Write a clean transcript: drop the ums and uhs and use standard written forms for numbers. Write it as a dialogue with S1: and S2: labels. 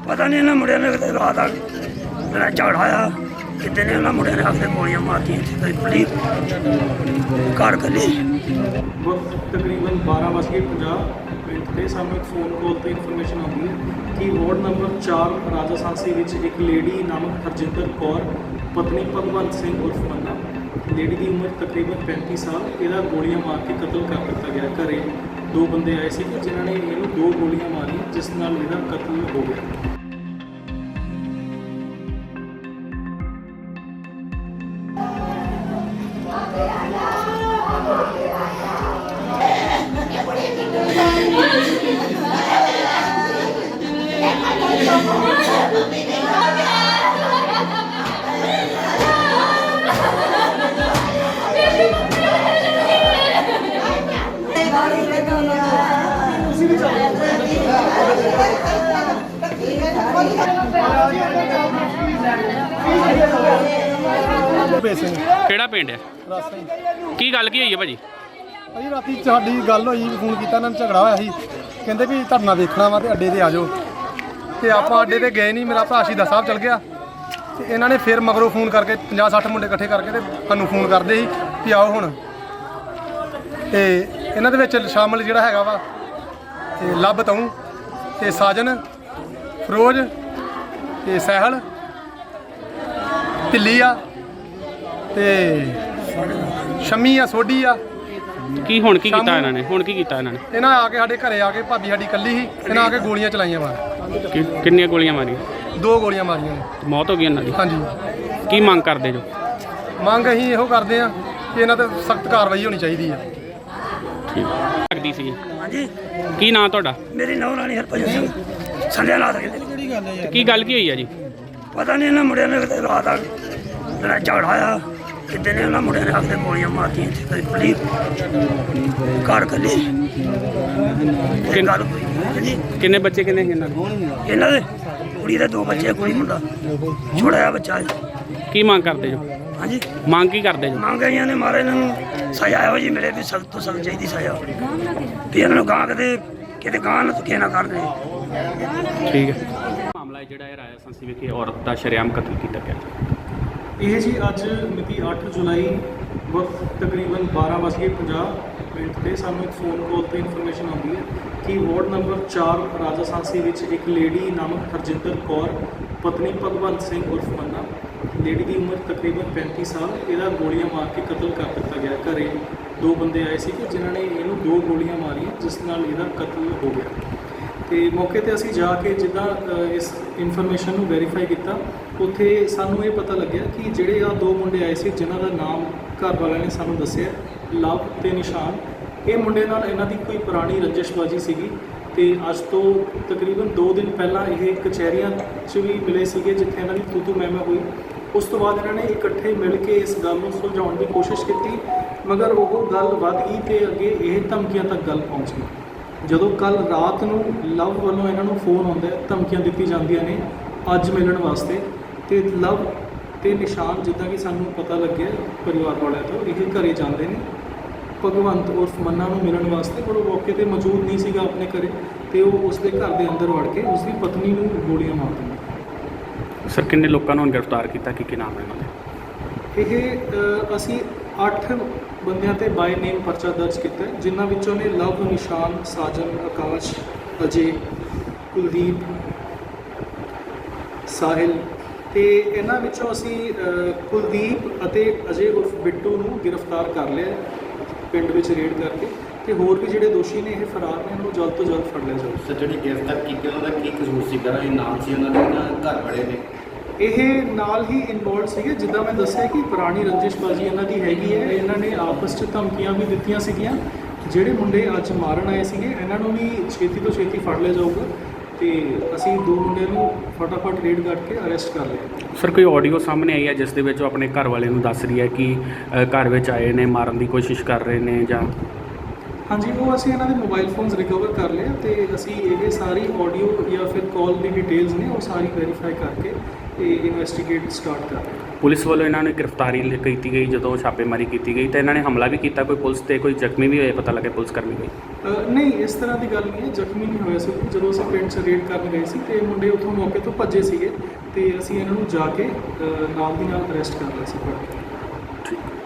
S1: पता नहीं इन्होंने मुंडिया ने कितने रात आ मेरा चढ़ाया कितने ने उन्होंने मुंडिया ने आके गोलियां मारती पुलिस कार कली
S2: वक्त तकरीबन 12:50 ਮਿੰਟ ਤੇ ਸਾਨੂੰ ਇੱਕ ਫੋਨ ਕਾਲ ਤੇ ਇਨਫੋਰਮੇਸ਼ਨ ਆਉਂਦੀ ਹੈ ਕਿ ਵਾਰਡ ਨੰਬਰ 4 ਰਾਜਾ ਸਾਂਸੀ ਵਿੱਚ ਇੱਕ ਲੇਡੀ ਨਾਮਕ ਹਰਜਿੰਦਰ ਕੌਰ ਪਤਨੀ ਭਗਵੰਤ ਸਿੰਘ ਉਰਫ ਮੰਨਾ ਲੇਡੀ ਦੀ ਉਮਰ ਤਕਰੀਬਨ 35 ਸਾਲ ਇਹਦਾ ਗੋਲੀਆਂ ਮਾਰ ਕੇ ਕਤਲ ਕਰ ਦਿੱਤਾ ਗਿਆ। ਘਰੇ ਦੋ ਬੰਦੇ ਆਏ ਸੀ ਜਿਨ੍ਹਾਂ ਨੇ ਇਹਨੂੰ 2 ਗੋਲੀਆਂ ਮਾਰੀਆਂ ਜਿਸ ਨਾਲ ਇਹਦਾ ਕਤਲ ਹੋ ਗਿਆ।
S3: ਕਿਹੜਾ ਪਿੰਡ ਹੈ? ਕੀ ਗੱਲ ਕੀ ਹੋਈ ਹੈ ਭਾਜੀ?
S4: ਭਾਜੀ ਰਾਤੀ ਸਾਡੀ ਗੱਲ ਹੋਈ, ਫੋਨ ਕੀਤਾ ਇਹਨਾਂ ਨੂੰ, ਝਗੜਾ ਹੋਇਆ ਸੀ, ਕਹਿੰਦੇ ਵੀ ਧਰਨਾ ਦੇਖਣਾ ਵਾ ਤੇ ਅੱਡੇ ਤੇ ਆ ਜਾਓ ਤੇ ਆਪਾਂ ਅੱਡੇ ਤੇ ਗਏ ਨਹੀਂ। ਮੇਰਾ ਭਰਾ ਸ਼ਹੀਦਾਂ ਸਾਹਿਬ ਚਲ ਗਿਆ ਤੇ ਇਹਨਾਂ ਨੇ ਫਿਰ ਮਗਰੋਂ ਫੋਨ ਕਰਕੇ 50-60 ਮੁੰਡੇ ਇਕੱਠੇ ਕਰਕੇ ਤੇ ਸਾਨੂੰ ਫੋਨ ਕਰਦੇ ਸੀ ਵੀ ਆਓ ਹੁਣ। ਤੇ ਇਹਨਾਂ ਦੇ ਵਿੱਚ ਸ਼ਾਮਲ ਜਿਹੜਾ ਹੈਗਾ ਵਾ ਤੇ ਲੱਭ ਤੂੰ ਤੇ ਸਾਜਨ ਫਰੋਜ਼ ਤੇ ਸਹਿਲ ਢਿੱਲੀ ਆ ਤੇ ਸ਼ਮੀ ਆ ਸੋਢੀ ਆ।
S3: ਕੀ ਹੁਣ ਕੀ ਕੀਤਾ ਇਹਨਾਂ ਨੇ? ਹੁਣ ਕੀ ਕੀਤਾ ਇਹਨਾਂ ਨੇ?
S4: ਇਹਨਾਂ ਆ ਕੇ ਸਾਡੇ ਘਰੇ ਆ ਕੇ ਭਾਬੀ ਸਾਡੀ ਇਕੱਲੀ ਸੀ, ਇਹਨਾਂ ਆ ਕੇ ਗੋਲੀਆਂ ਚਲਾਈਆਂ ਮਾਰ।
S3: ਕਿੰਨੀਆਂ ਗੋਲੀਆਂ ਮਾਰੀਆਂ?
S4: 2 ਗੋਲੀਆਂ ਮਾਰੀਆਂ ਨੇ।
S3: ਮੌਤ ਹੋ ਗਈ ਇਹਨਾਂ ਦੀ?
S4: ਹਾਂਜੀ।
S3: ਕੀ ਮੰਗ ਕਰਦੇ ਜੋ?
S4: ਮੰਗ ਅਸੀਂ ਇਹੋ ਕਰਦੇ ਆ ਕਿ ਇਹਨਾਂ ਤੇ ਸਖਤ ਕਾਰਵਾਈ ਹੋਣੀ ਚਾਹੀਦੀ ਆ।
S3: ਠੀਕ ਲੱਗਦੀ ਸੀ।
S1: हाँ जी
S3: ਕੀ ਨਾਂ ਤੁਹਾਡਾ?
S1: मेरी नौ रानी हरभजन सिंह संध्या नाथ
S3: ਤੇ ਕੀ ਗੱਲ ਕੀ ਹੋਈ ਹੈ ਜੀ?
S1: पता नहीं इन्होंने मुंडिया ने कितने रात आ मेरा चढ़ाया कितने ने उन्होंने मुंडिया ने आके गोलियां मारती पुलिस कार कली
S3: ਕਿੰਨੇ ਬੱਚੇ ਕਿੰਨੇ ਸੀ ਇਹਨਾਂ ਦੇ?
S1: ਇਹਨਾਂ ਦੇ ਕੁੜੀ ਦੇ 2 ਬੱਚੇ ਕੁੜੀ ਮੁੰਡਾ ਛੋਟਾ ਜਿਹਾ ਬੱਚਾ ਹੈ।
S3: ਕੀ ਮੰਗ ਕਰਦੇ ਜੋ?
S1: ਹਾਂਜੀ
S3: ਮੰਗ ਕੀ ਕਰਦੇ ਜੋ?
S1: ਮੰਗ ਆਈਆਂ ਨੇ ਮਾਰੇ ਇਹਨਾਂ ਨੂੰ ਸਜ਼ਾ ਇਹੋ ਜੀ ਮਿਲੇ ਵੀ ਸਖਤ ਤੋਂ ਸਖਤ ਚਾਹੀਦੀ ਸਜ਼ਾ ਵੀ ਇਹਨਾਂ ਨੂੰ ਗਾਂ ਕਿਤੇ ਗਾਂ ਨਾ ਧੱਕੇ ਨਾ ਕਰਦੇ।
S3: ਠੀਕ ਹੈ। ਮਾਮਲਾ ਹੈ ਜਿਹੜਾ ਇਹ ਰਾਜਾ ਸਾਂਸੀ ਵਿਖੇ ਔਰਤ ਦਾ ਸ਼ਰੇਆਮ ਕਤਲ ਕੀਤਾ ਗਿਆ।
S2: ਇਹ ਜੀ ਅੱਜ ਮਿਤੀ 8 ਜੁਲਾਈ ਵਕਤ ਤਕਰੀਬਨ 12:50 ਮਿੰਟ ਤੇ ਸਾਨੂੰ ਇੱਕ ਫੋਨ ਕਾਲ ਤੇ ਇਨਫੋਰਮੇਸ਼ਨ ਆਉਂਦੀ ਹੈ ਕਿ ਵਾਰਡ ਨੰਬਰ 4 ਰਾਜਾ ਸਾਂਸੀ ਵਿੱਚ ਇੱਕ ਲੇਡੀ ਨਾਮਕ ਹਰਜਿੰਦਰ ਕੌਰ ਪਤਨੀ ਭਗਵੰਤ ਸਿੰਘ ਉਰਫ ਮੰਨਾ ਲੇਡੀ ਦੀ ਉਮਰ ਤਕਰੀਬਨ 35 ਸਾਲ ਇਹਦਾ ਗੋਲੀਆਂ ਮਾਰ ਕੇ ਕਤਲ ਕਰ ਦਿੱਤਾ ਗਿਆ। ਘਰੇ 2 ਬੰਦੇ ਆਏ ਸੀ ਜਿਨ੍ਹਾਂ ਨੇ ਇਹਨੂੰ 2 ਗੋਲੀਆਂ ਮਾਰੀਆਂ ਜਿਸ ਨਾਲ ਇਹਦਾ ਕਤਲ ਹੋ ਗਿਆ। ਤੇ ਮੌਕੇ ਤੇ ਅਸੀਂ ਜਾ ਕੇ ਜਿੱਦਾਂ ਇਸ ਇਨਫੋਰਮੇਸ਼ਨ ਨੂੰ ਵੈਰੀਫਾਈ ਕੀਤਾ ਉੱਥੇ ਸਾਨੂੰ ਇਹ ਪਤਾ ਲੱਗਿਆ ਕਿ ਜਿਹੜੇ ਆ 2 ਮੁੰਡੇ ਆਏ ਸੀ ਜਿਨ੍ਹਾਂ ਦਾ ਨਾਮ ਘਰ ਵਾਲਿਆਂ ਨੇ ਸਾਨੂੰ ਦੱਸਿਆ ਲਵ ਤੇ ਨਿਸ਼ਾਨ। ਇਹ ਮੁੰਡੇ ਨਾਲ ਇਹਨਾਂ ਦੀ ਕੋਈ ਪੁਰਾਣੀ ਰੰਜਿਸ਼ਬਾਜੀ ਸੀਗੀ ਤੇ ਅੱਜ ਤੋਂ ਤਕਰੀਬਨ 2 ਦਿਨ ਪਹਿਲਾਂ ਇਹ ਕਚਹਿਰੀਆਂ 'ਚ ਵੀ ਮਿਲੇ ਸੀਗੇ ਜਿੱਥੇ ਇਹਨਾਂ ਦੀ ਤੂਤੂ ਮਹਿਮਾ ਹੋਈ। ਉਸ ਤੋਂ ਬਾਅਦ ਇਹਨਾਂ ਨੇ ਇਕੱਠੇ ਮਿਲ ਕੇ ਇਸ ਗੱਲ ਨੂੰ ਸੁਲਝਾਉਣ ਦੀ ਕੋਸ਼ਿਸ਼ ਕੀਤੀ ਮਗਰ ਉਹ ਗੱਲ ਵੱਧ ਗਈ ਤੇ ਅੱਗੇ ਇਹ ਧਮਕੀਆਂ ਤੱਕ ਗੱਲ ਪਹੁੰਚ ਗਈ। ਜਦੋਂ ਕੱਲ ਰਾਤ ਨੂੰ ਲਵ ਵੱਲੋਂ ਇਹਨਾਂ ਨੂੰ ਫੋਨ ਆਉਂਦਾ ਧਮਕੀਆਂ ਦਿੱਤੀ ਜਾਂਦੀਆਂ ਨੇ ਅੱਜ ਮਿਲਣ ਵਾਸਤੇ ਤੇ ਲਵ ਤੇ ਨਿਸ਼ਾਨ ਜਿੱਦਾਂ ਕਿ ਸਾਨੂੰ ਪਤਾ ਲੱਗਿਆ ਪਰਿਵਾਰ ਵਾਲਿਆਂ ਤੋਂ ਇਹ ਘਰੇ ਜਾਂਦੇ ਨੇ ਭਗਵੰਤ ਉਰਫ ਮੰਨਾ ਨੂੰ ਮਿਲਣ ਵਾਸਤੇ ਪਰ ਉਹ ਮੌਕੇ ਤੇ ਮੌਜੂਦ ਨਹੀਂ ਸੀਗਾ ਆਪਣੇ ਘਰੇ ਤੇ ਉਹ ਉਸਦੇ ਘਰ ਦੇ ਅੰਦਰ ਵੜ ਕੇ ਉਸਦੀ ਪਤਨੀ ਨੂੰ ਗੋਲੀਆਂ ਮਾਰ ਦਿੰਦਾ।
S3: ਸਰ ਕਿੰਨੇ ਲੋਕਾਂ ਨੂੰ ਗ੍ਰਿਫਤਾਰ ਕੀਤਾ? ਕੀ ਨਾਮ ਹੈ ਇਹਨਾਂ ਦੇ?
S2: ਇਹ ਅਸੀਂ 8 ਬੰਦਿਆਂ ਤੇ ਬਾਈ ਨੇਮ ਪਰਚਾ ਦਰਜ ਕੀਤਾ ਜਿਨ੍ਹਾਂ ਵਿੱਚੋਂ ਨੇ ਲਵ ਨਿਸ਼ਾਨ ਸਾਜਨ ਆਕਾਸ਼ ਅਜੇ ਕੁਲਦੀਪ ਸਾਹਿਲ ਤੇ ਇਹਨਾਂ ਵਿੱਚੋਂ ਅਸੀਂ ਕੁਲਦੀਪ ਅਤੇ ਅਜੇ ਉਰਫ ਬਿੱਟੂ ਨੂੰ ਗ੍ਰਿਫਤਾਰ ਕਰ ਲਿਆ ਪਿੰਡ ਵਿੱਚ ਰੇਡ ਕਰਕੇ ਤੇ ਹੋਰ ਵੀ ਜਿਹੜੇ ਦੋਸ਼ੀ ਨੇ ਇਹ ਫਰਾਰ ਨੇ ਇਹਨਾਂ ਨੂੰ ਜਲਦ ਤੋਂ ਜਲਦ ਫੜ ਲਿਆ ਜਾਊ।
S5: ਸਰ ਜਿਹੜੀ ਗ੍ਰਿਫਤਾਰ ਕੀਤੀ ਉਹਨਾਂ ਦਾ ਕੀ ਕਸੂਰ ਸੀ? ਇਹ ਨਾਮ ਸੀ ਉਹਨਾਂ ਦੇ ਘਰ ਵਾਲੇ ਨੇ
S2: ਇਹ ਨਾਲ ਹੀ ਇਨਵੋਲਵ ਸੀਗੇ ਜਿੱਦਾਂ ਮੈਂ ਦੱਸਿਆ ਕਿ ਪੁਰਾਣੀ ਰੰਜਿਸ਼ਬਾਜੀ ਇਹਨਾਂ ਦੀ ਹੈਗੀ ਹੈ। ਇਹਨਾਂ ਨੇ ਆਪਸ 'ਚ ਧਮਕੀਆਂ ਵੀ ਦਿੱਤੀਆਂ ਸੀਗੀਆਂ। ਜਿਹੜੇ ਮੁੰਡੇ ਅੱਜ ਮਾਰਨ ਆਏ ਸੀਗੇ ਇਹਨਾਂ ਨੂੰ ਵੀ ਛੇਤੀ ਤੋਂ ਛੇਤੀ ਫੜ ਲਿਆ ਜਾਊਗਾ ਤੇ ਅਸੀਂ 2 ਮੁੰਡਿਆਂ ਨੂੰ ਫਟਾਫਟ ਰੇਡ ਕਰਕੇ ਅਰੈਸਟ ਕਰ ਲਿਆ।
S3: ਸਰ ਕੋਈ ਆਡੀਓ ਸਾਹਮਣੇ ਆਈ ਹੈ ਜਿਸ ਦੇ ਵਿੱਚ ਉਹ ਆਪਣੇ ਘਰ ਵਾਲੇ ਨੂੰ ਦੱਸ ਰਹੀ ਹੈ ਕਿ ਘਰ ਵਿੱਚ ਆਏ ਨੇ ਮਾਰਨ ਦੀ ਕੋਸ਼ਿਸ਼ ਕਰ ਰਹੇ ਨੇ ਜਾਂ?
S2: ਹਾਂਜੀ, ਉਹ ਅਸੀਂ ਇਹਨਾਂ ਦੇ ਮੋਬਾਈਲ ਫੋਨਸ ਰਿਕਵਰ ਕਰ ਲਏ ਤੇ ਅਸੀਂ ਇਹ ਸਾਰੀ ਆਡੀਓ ਜਾਂ ਫਿਰ ਕਾਲ ਦੀ ਡਿਟੇਲਸ ਨੇ ਉਹ ਸਾਰੀ ਵੈਰੀਫਾਈ ਕਰਕੇ ਤੇ ਇਨਵੈਸਟੀਗੇਟ ਸਟਾਰਟ ਕਰ ਰਹੇ ਹਾਂ।
S3: ਪੁਲਿਸ ਵੱਲੋਂ ਇਹਨਾਂ ਨੇ ਗ੍ਰਿਫਤਾਰੀ ਕੀਤੀ ਗਈ, ਜਦੋਂ ਛਾਪੇਮਾਰੀ ਕੀਤੀ ਗਈ ਤਾਂ ਇਹਨਾਂ ਨੇ ਹਮਲਾ ਵੀ ਕੀਤਾ, ਕੋਈ ਪੁਲਿਸ ਤੇ ਕੋਈ ਜ਼ਖਮੀ ਵੀ ਹੋਏ, ਪਤਾ ਲੱਗੇ ਪੁਲਿਸ ਕਰਮੀ ਕੋਈ?
S2: ਨਹੀਂ, ਇਸ ਤਰ੍ਹਾਂ ਦੀ ਗੱਲ ਨਹੀਂ ਹੈ, ਜ਼ਖਮੀ ਨਹੀਂ ਹੋਇਆ ਸੀ। ਜਦੋਂ ਅਸੀਂ ਪਿੰਡ 'ਚ ਰੇਡ ਕਰਨ ਗਏ ਸੀ ਤੇ ਮੁੰਡੇ ਉੱਥੋਂ ਮੌਕੇ ਤੋਂ ਭੱਜੇ ਸੀਗੇ ਤੇ ਅਸੀਂ ਇਹਨਾਂ ਨੂੰ ਜਾ ਕੇ ਨਾਲ ਦੀ ਨਾਲ ਅਰੈਸਟ ਕਰ ਲਿਆ ਸੀ।
S3: ਠੀਕ।